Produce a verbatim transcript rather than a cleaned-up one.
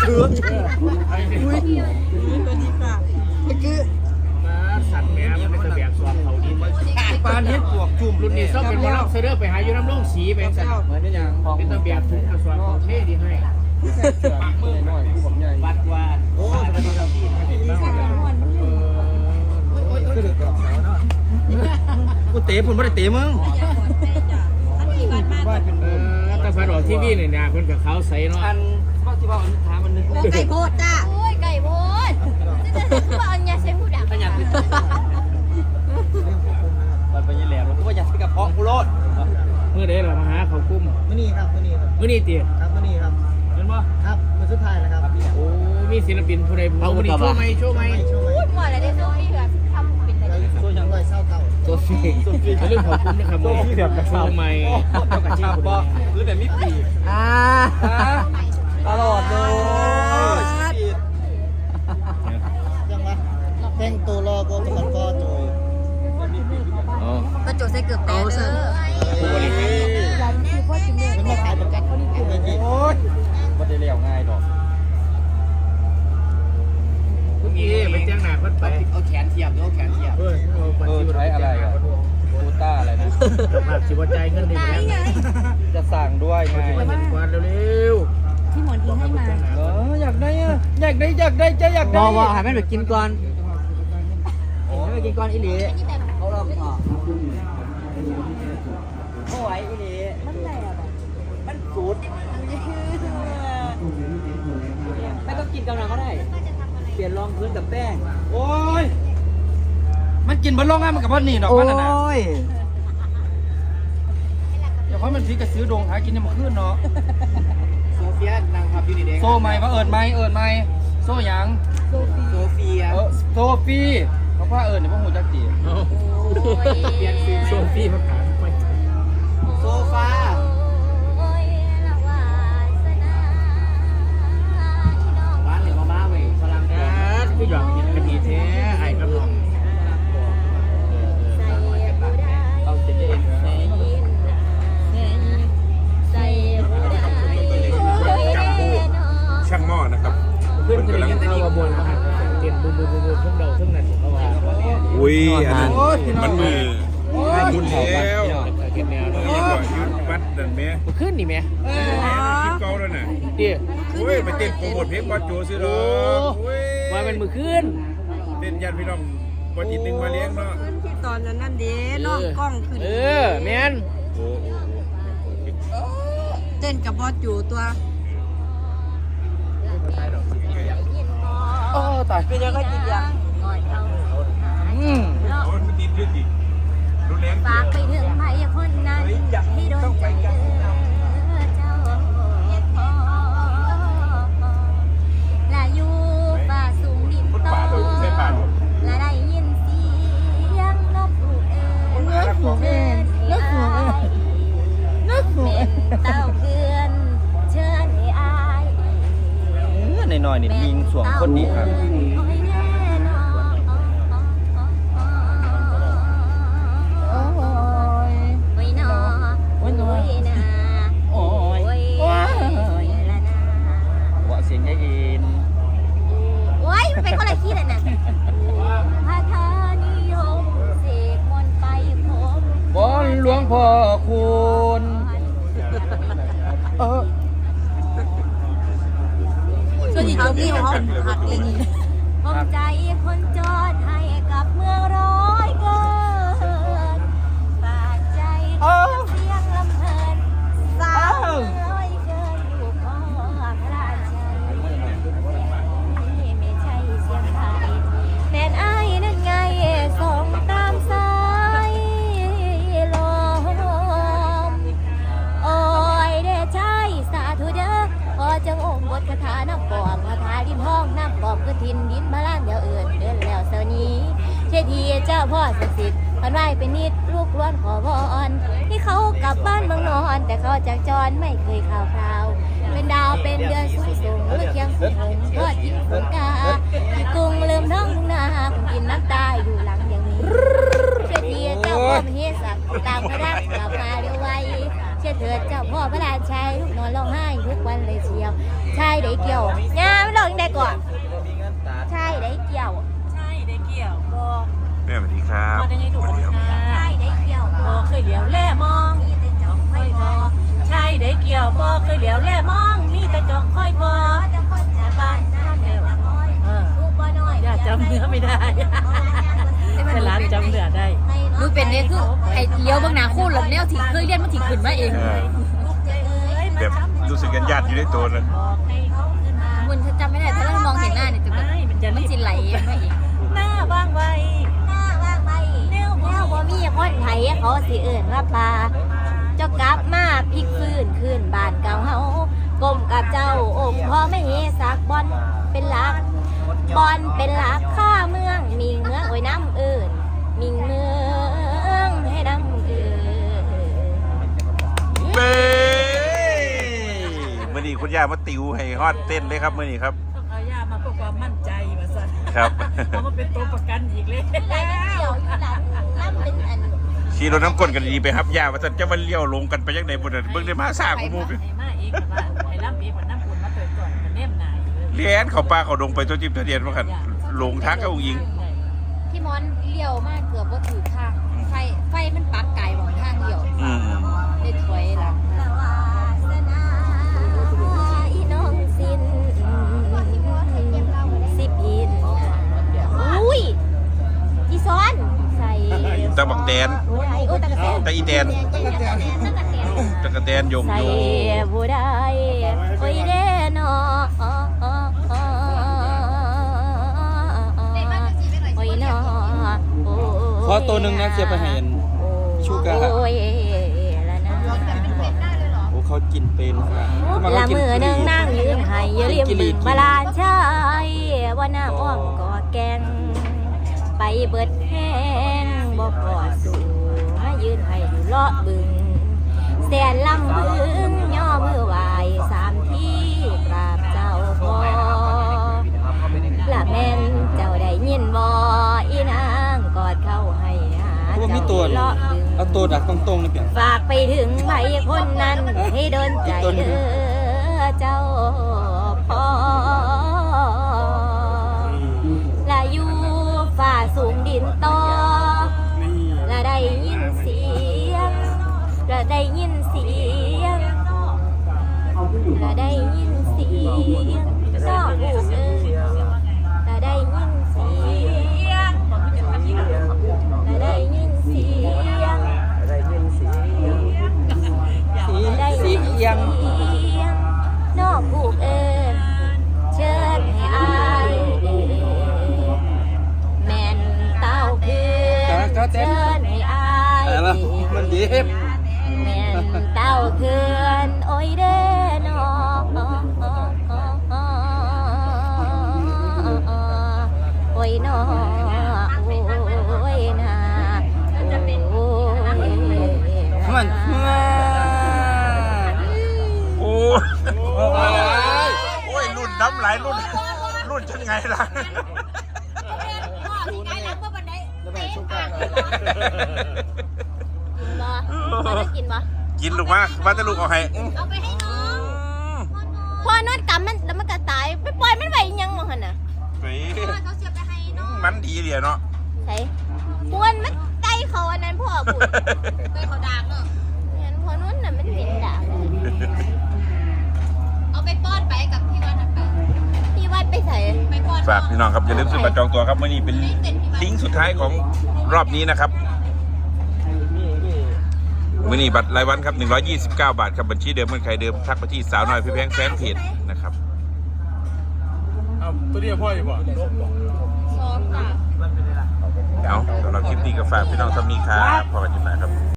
คืออุ้ยตัวนี้ค่ะคือมาสัตว์แม่มันเป็นตะแบกสวมเขาดินปานเฮ็ดปวกจุ่มรุ่นนี้ต้องเป็นคนรับเซเดอร์ไปหาอยู่น้ำร่องสีไปสัตว์เหมือนนี่ยังของเป็นตะแบกถุงกระสวมเขาเท่ดีให้ปากมือน้อยผู้บอกใหญ่วัดว่าโอ้สวัสดีครับพี่กูเตะผมไม่ได้เตะมึงว่าเป็นเออตะฟันออกทีวีเนี่ยนะเพิ่นกับเขาใส่เนาะอันก็ที่ว่าอันถามมันนึงไก่โพดจ้าโอ้ยไก่โพดจะว่าอันยาเซมูดักขยันขึ้นมันเป็นยังแหลมแล้วกูว่าอยากไปกับเพาะกูโลดเมื่อใดเรามาหาเขากุ้มมื่อนี้ครับมื่อนี้ครับเมื่อนี้ตีครับมื่อนี้ครับเห็นบ่ครับมื่อสุดท้ายแล้วครับโอ้มีศิลปินผู้ใดเอามื่อนี้โชว์ไหมโชว์ไหมไม่ช่วยพูดหมดเลยได้โซฟี่แบบทำเป็นอะไรโซ่ยังไรเศร้าเก่าโซฟี่เรื่องของกุ้มนะครับโซฟี่แบบกระชับไหมเจ้ากระชับบ่หรือแบบมีปีกอ่าตลอดเลยยังวะแต่งตัวรอกูมันก็โจยอ๋อก็โจใส่เกือบแต่เด้อผู้บริหารมันมาขายประกันเขานี่คือไงจีโอ๊ยบ่ได้เลี้ยวง่ายดอกเมื่อกี้ไปแจ้งหน้าเพิ่นไปเอาแขนเทียบเอาแขนเทียบเออเออใช้อะไรอ่ะตูต้าอะไรนะภาพสิบ่จ่ายเงินได้ไหมจะสั่งด้วยไงมาเห็นกวาดเร็วที่หมอนทิ้งให้มาเอออยากได้อ่ะอยากได้อยากได้จะอยากบได้อกว่าให้มันไปกินก่อนให้มันกินก่อนอีหลีเขาลองต่อโอ้ยอีนี่มันแหลบมันสูดไม่ต้องกินกำลังก็ได้ เปลี่ยนรองพื้นกับแป้งโอ้ยมันกินบนรองง่ายมันกับว่านี่ดอกโอ้มันน่ะนะยเดี๋ยวเพราะมันพีกระซื้อดงหากินในหมู่ขึ้นเนาะโซเฟียนางขับอยู่ดีเด็กโซ่ไหมว่าเอิญไหมเอิญไหมโซ่หยังโซเฟียเออโซฟีเพราะว่าเอิญเนี่ยพวกหูจักจีเปลี่ยนซื้อโซฟี่มาขายไปโซฟาโอ้ยละวาสนาที่น้องบ้านหรือมาบ้าเว้ยพลังอ่าคือหยอกกินกันดีแท้ไอ้กำลังใส่ผู้ใดเอาเจ็ดเอ็นใส่ผู้ใดจับผู้ช่างหม้อนะครับขึ้นเคยกินข้าวมาบนมาเตียนบูบูบูบูทั้งเดาทั้งนั้นเขาว่าอุ้ยอันนั้นมันมือคุณแล้วเก็บแนวนี่ก็ยุดวัดนั่นแม่ขึ้นนี่ไหมคลิปเก่าแล้วน่ะเดี๋ยวโอ้ยไปเต้นโปรโมทเพลงบอสโจซื้อดอกโอ้ยว่ามันมือขึ้นเต้นยันพี่น้องบอสจิตนึงมาเลี้ยงเนาะตอนนั้นนั่นเด้น้องกล้องขึ้นเออแมนโอ้โอ้เต้นกับบอสอยู่ตัวโอ้ตายเป็นยังไงกินยังอืมโอ้มันติดด้วยดิรุนแรงฝากไปถึงใครคนนั้นที่โดนใจเจ้าและอยู่ป่าสูงดินคนโตป่าตัวใช่ป่าและได้ยินเสียงนกฮูกเอิญนกฮูกเอิญนกฮูกเอิญนกฮูกเป็นเต้าเกือนเชิญให้อายในหน่อยนี่ยิงสวงคนนี้ครับโอ้ยโอ้ยนอโอ้ยนาโอ้ยโอ้ยโอ้ยละนาว่าเสียงยายอินโอ้ยมันเป็นคนละขี้เลยน่ะพาทานิยมเสกมนต์ไปพบบอนหลวงพ่อคุณเออส่วนที่เขาที่เขาหักเองผมใจคนจอดให้กับเมืองร้อยเกินฝากใจเสียงลำเพลินสาวร้อยเกินลูกพ่อพระราชัยไม่ใช่เสียงไทยแม่นอ้ายนั่นไงส่งตามสายลมโอ้ยเด้ใช่สาธุเด้อพอจังองค์บทคาถาน้ำปอมคาถาดินห้องน้ำปอมคือทินดินมาล้านเดียวเอื่นเดินแล้วเสานี้เช่ทีเจ้าพ่อศักดิ์สิทธิ์พันไหวเป็นนิดลูกล้วนขอวอนที่เขากลับบ้านเมืองนอนแต่เขาจากจรไม่เคยข่าวคราวเป็นดาวเป็นเดือนสูงส่งเลือกยังสูงหงทอดกินฝนกากุ้งลืมท้องทุ่งนาคงกินน้ำตาอยู่หลังอย่างนี้เช่ทีเจ้าพ่อมเหสักตามพระรักกลับมาเร็วไวเชื่อเถิดเจ้าพ่อพระราชัยลูกนอนร้องไห้ทุกวันเลยเชียวชายได้เกี่ยวงามก่อนมีเงินตัดใช่ได้เกี่ยวใช่ได้เกี่ยวบอแม่สวัสดีครับมาได้ไงดูสวัสดีครับใช่ได้เกี่ยวบอเคยเหลียวแล่มองค่อยพอใช่ได้เกี่ยวบอเคยเหลียวแล่มองมีแต่จองค่อยพอแต่บ้านน้ำเดียวเออลูกบ่น้อยอย่าจำเนื้อไม่ได้แต่ร้านจำเนื้อได้ดูเป็นเนี่ยคือไอ้เลี้ยวเบื้องหน้าคู่หลังแนวที่เคยเรียนมันถี่ขึ้นมาเองเออแบบรู้สึกกันญาติอยู่ในตัวเลยบอกให้เขาขึ้นมามันจะจำไม่ได้ถ้าเรามองเห็นหน้าเนี่ยจะแบบไม่มันจะมันรีบสิไหลมาเองหน้าว่างไวหน้าว่างไปแนวแนวบ่มีคนไทยเขาสิเอิ่นว่าปลาเจ้ากลับมาพลิกฟื้นคืนบ้านเก่าเฮากลมกับเจ้าองค์พ่อไม่เฮสักบอลเป็นหลักบอลเป็นหลักข้าเมืองมีเมืองโอ้ยน้ำเอิ่นมีเมืองให้น้ำเอิ่นเบ้มื่อนี้คุณย่ามาติวให้ฮอดเต้นเลยครับมื่อนี้ครับต้องเอาย่ามาเพื่อความมั่นใจมาสั่นครับเอามาเป็นตัวประกันอีกเลยไรเกี่ยวอยู่หลังล่ำเป็นอันขี่รถน้ำก้นกันดีไปครับย่าว่าจะมาเลี้ยวลงกันไปยังไหนบนนั้นเบิ่งได้มาสร้างกูมูไปไอ้มาเองว่าไอ้ล่ำเองว่าน้ำปุ่นมาเติมก่อนมันแนมนายเลยเลี้ยนเขาป้าเขาดงไปตัวจิ้มตัวเดียนว่ากันลงทางกับองค์หญิงที่มอนเลี้ยวมากเกือบว่าถือข้างไฟไฟมันปักไก่หมองทางเดียวอืมได้ถอยหลังสวาสนาอีน้องสินสิบินอุ้ยอีซ้อนใส่ตะบักแตนโอ้ยตะกะแตนตะอีแตนตะกะแตนตะกะแตนโยงใส่โยงผู้ใดโอ้ยเด้นอโอ้ยนอขอตัวหนึ่งนะเสียไปให้เห็น ชูกาโอ้ยละนะโอ้เขากินเป็นครับละมือหนึ่งนั่งยืนให้ยืริมบึงบาลานชายว่าน้ำอ้อมกอดแกงไปเบิดแห้งบ่กอดสู่มายืนให้อยู่เลาะบึงแสนลำบึงย่อมือไหวสามที่กราบเจ้าพ่อละแม่นเจ้าได้ยินบ่อีนางกอดเข้าให้หาเพราะว่ามีตัวเลาะบึงเอาตัวดักตรงๆนี่เปลี่ยนฝากไปถึงใครคนนั้นให้โดนใจเด้อเจ้าพ่อละอยู่ฝ่าสูงดินต่อละได้ยินเสียงละได้ยินเสียงละได้ยินเสียงน้องเอ๋ยละได้ยินเสียงละได้ยินเสียงสีสีเอียงนอกผูกเอิญเชิญให้อายแม่นเต้าเพื่อนเชิญให้อายแต่ละมันเย็บแม่นเต้าเพื่อนโอ้ยเด้อนอโอ้ยนอโอ้ยนาโอ้ยมันโอ้ยโอ้ยรุ่นน้ำไหลรุ่นรุ่นฉันไงล่ะแล้วแม่ชูกาบ่บ่ได้กินบ่กินลูกมาว่าจะลูกเอาให้เอาไปให้น้องพอนวดกรรมมันแล้วมันก็ตายไปปล่อยมันไว้อีหยังบ่หั่นน่ะไปเขาเสียไปให้น้องมันดีเลยเนาะใช่ปวนมันไก่เขาอันนั้นพ่อพูดไก่เขาดากเนาะงั้นพอนวดน่ะมันเป็นดากเอาไปป้อนไปกับพี่วัดไปพี่วัดไปใส่ไปป้อนฝากพี่น้องครับอย่าลืมซื้อบัตรจองตัวครับมื่อนี้เป็นลิงก์สุดท้ายของรอบนี้นะครับมื่อนี้บัตรรายวันครับหนึ่งร้อยยี่สิบเก้าบาทครับบัญชีเดิมเหมือนใครเดิมทักไปที่สาวน้อยพี่แพงแฟนเพจนะครับตัวเดียวพ่ออยู่บ่ซ้อมค่ะเอาสำหรับคลิปนี้ก็ฝากพี่น้องสามีครับพอกันอยู่นะครับ